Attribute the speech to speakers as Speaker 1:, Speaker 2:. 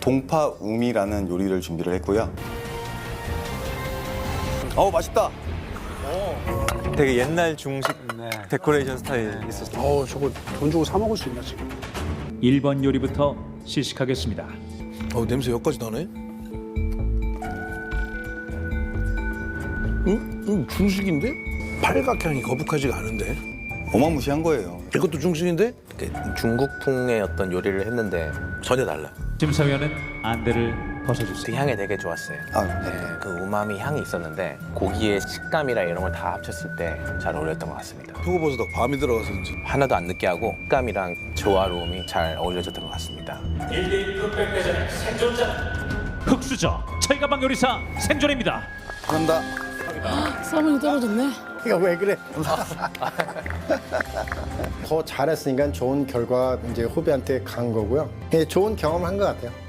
Speaker 1: 동파 우미라는 요리를 준비를 했고요. 맛있다.
Speaker 2: 되게 옛날 중식 데코레이션 스타일 있었어.
Speaker 3: 저거 돈 주고 사 먹을 수 있나 지금?
Speaker 4: 1번 요리부터 시식하겠습니다.
Speaker 5: 냄새 여기까지 나네. 응? 중식인데? 팔각향이 거북하지가 않은데?
Speaker 1: 어마무시한 거예요.
Speaker 5: 이것도 중식인데?
Speaker 6: 중국풍의 어떤 요리를 했는데
Speaker 5: 전혀 달라.
Speaker 4: 심사위원은 안대를 벗어주세요.
Speaker 6: 그 향이 되게 좋았어요.
Speaker 1: 네.
Speaker 6: 그 우마미 향이 있었는데 고기의 식감이랑 이런 걸 다 합쳤을 때 잘 어울렸던 것 같습니다.
Speaker 5: 표고버섯하고 밤이 들어가서인지.
Speaker 6: 하나도 안 느끼하고 식감이랑 조화로움이 잘 어울려졌던 것 같습니다.
Speaker 4: 흑수저 철가방 요리사 생존입니다.
Speaker 1: 감사합니다.
Speaker 7: 쌀문이 떨어졌네.
Speaker 8: 이거 왜 그래? 더 잘했으니까 좋은 결과 이제 후배한테 간 거고요. 예, 좋은 경험한 것 같아요.